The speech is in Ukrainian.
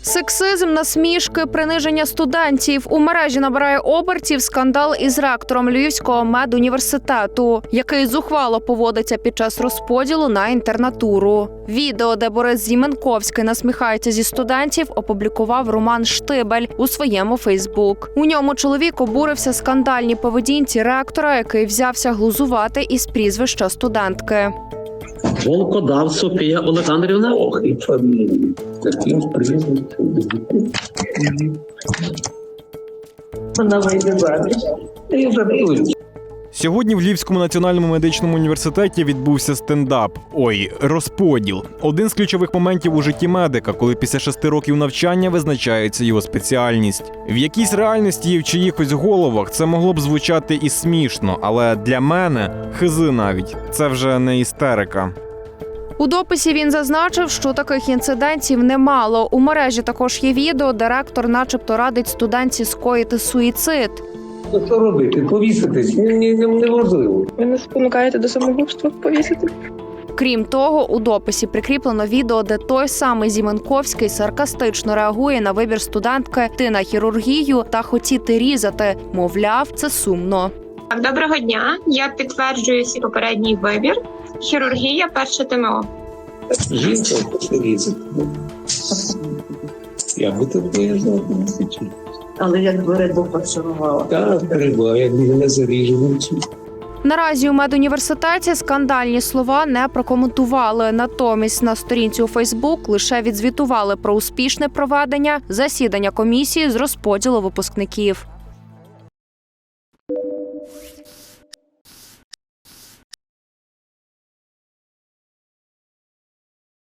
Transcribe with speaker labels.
Speaker 1: Сексизм, насмішки, приниження студентів. У мережі набирає обертів скандал із ректором Львівського медуніверситету, який зухвало поводиться під час розподілу на інтернатуру. Відео, де Борис Зіменковський насміхається зі студентів, опублікував Роман Штибель у своєму Фейсбук. У ньому чоловік обурився скандальній поведінці ректора, який взявся глузувати із прізвища студентки.
Speaker 2: Волкодав Софія Олександрівна.
Speaker 3: Ох, і фамілія. Таким прізвищем. Вона вийде заміж. І забудуть.
Speaker 4: Сьогодні в Львівському національному медичному університеті відбувся стендап. Розподіл. Один з ключових моментів у житті медика, коли після 6 років навчання визначається його спеціальність. В якійсь реальності і в чиїхось головах це могло б звучати і смішно, але для мене, хизи навіть, це вже не істерика.
Speaker 1: У дописі він зазначив, що таких інцидентів немало. У мережі також є відео, де ректор начебто радить студентці скоїти суїцид.
Speaker 3: Що робити? Повіситись? Неважливо.
Speaker 5: Ви не спонукаєте до самогубства повісити?
Speaker 1: Крім того, у дописі прикріплено відео, де той самий Зіменковський саркастично реагує на вибір студентки «ти на хірургію» та «хотіти різати». Мовляв, це сумно.
Speaker 6: Доброго дня. Я підтверджую свій попередній вибір. Хірургія – перше ТМО.
Speaker 3: Жінка різати. Я би так виїжджав.
Speaker 7: Але якби Редо пошарувала.
Speaker 3: Так, треба, як мене заріжуть.
Speaker 1: Наразі у медуніверситеті скандальні слова не прокоментували. Натомість на сторінці у Фейсбук лише відзвітували про успішне проведення засідання комісії з розподілу випускників.